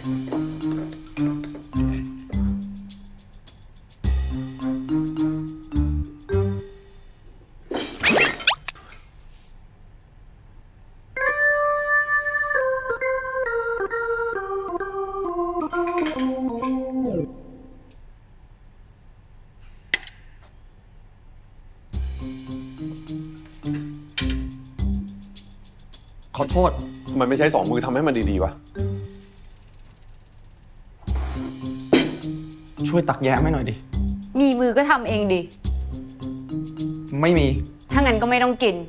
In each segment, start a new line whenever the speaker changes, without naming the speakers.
ขอโทษ
ทำไมไม่ใช้2 มือทำให้มันดีๆวะ
ช่วยตักแยะให้หน่อยดิ
มีมือก็ทำเองดิ
ไม่มี
ถ้างั้นก็ไม่ต้องกิน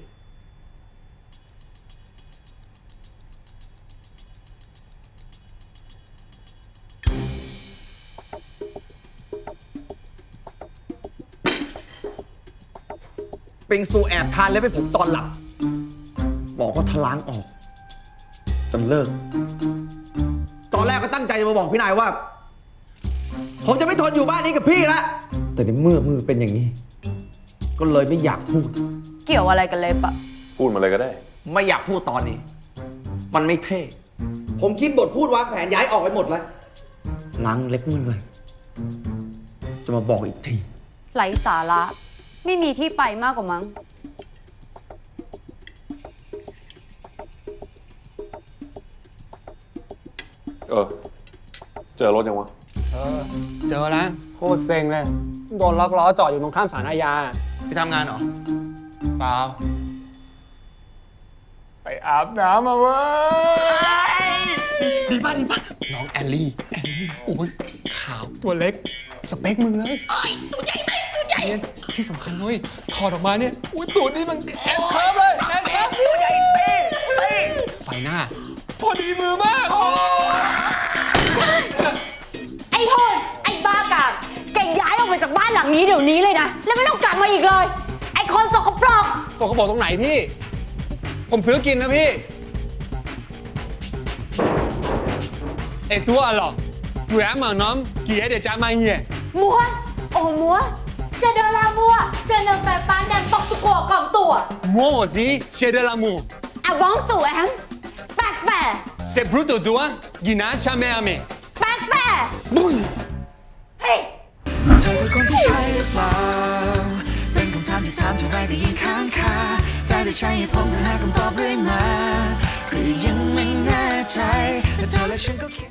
ปิงซูแอบทานเล็บให้ผมตอนหลับบอกว่าทะล้างออกจนเลิก ตอนแรกก็ตั้งใจจะมาบอกพี่นายว่า ผมจะไม่ทนอยู่บ้านนี้กับพี่ละแต่ในเมื่อมือเป็นอย่างนี้ ก็เลยไม่อยากพูด
เกี่ยวอะไรกันเลยปะ
พูดมาเลยก็ได้
ไม่อยากพูดตอนนี้ มันไม่เท่ ผมคิดบทพูดวางแผนย้ายออกไปหมดแล้วล้างเล็บมือเลยจะมาบอกอีกที
ไร้สาระ ไม่มีที่ไปมากกว่ามั้ง
เจอรถยังวะ
เจอแล้วโคตรเซ็งเลย โดนล็อกล้อจอดอยู่ตรงข้ามศาลอาญา
พี่ทำงานเหรอ
เปล่า ไปอาบน้ำมาเว้ย
ดีป่ะดีป่ะ
น้องแอลลี่โอ้ยขาวตัวเล็ก สเปคมึงเลยตัวใหญ่ไหมตัวใหญ่ที่สำคัญเลยถอดออกมาเนี่ยอุ้ยตูดนี่มันแอสเคิร์ฟเลยแอสเคิร์ฟตัวใหญ่เต้ไฟหน้า พอดีมือมาก
ไอ้โหดไอ้บ้ากามแกย้ายออกไปจากบ้านหลังนี้เดี๋ยวนี้เลยนะ แล้วไม่ต้องกลับมาอีกเลย ไอ้คนสกปรก
ส่งกระบอกตรงไหนพี่ ผมซื้อกินนะพี่ไอตัวหรอแหวนเหมือนน้องกี่เดี๋ยวจะมาเหี้ย
มัว โอ้มัวเชเดอร์ลามัวเชเดอร์แปปานแดนปอกตุกัวกล่องตัว
มัวสิเชเดลามู
อะบ้องตู่แอมแปกแปะ
เซบรูโตตัวกินาชาเมอเม
แปกแปะ
บุ้ย
เฮ้ย
เธอคือคนที่ใช่หรือเปล่าเป็นคำถามที่ถามเท่าไรก็ยิ่งค้างคาแต่ได้ใช้เหตุผลเพื่อหาคำตอบเรื่อยมาก็ยังไม่แน่ใจแต่เธอและฉันก็คิด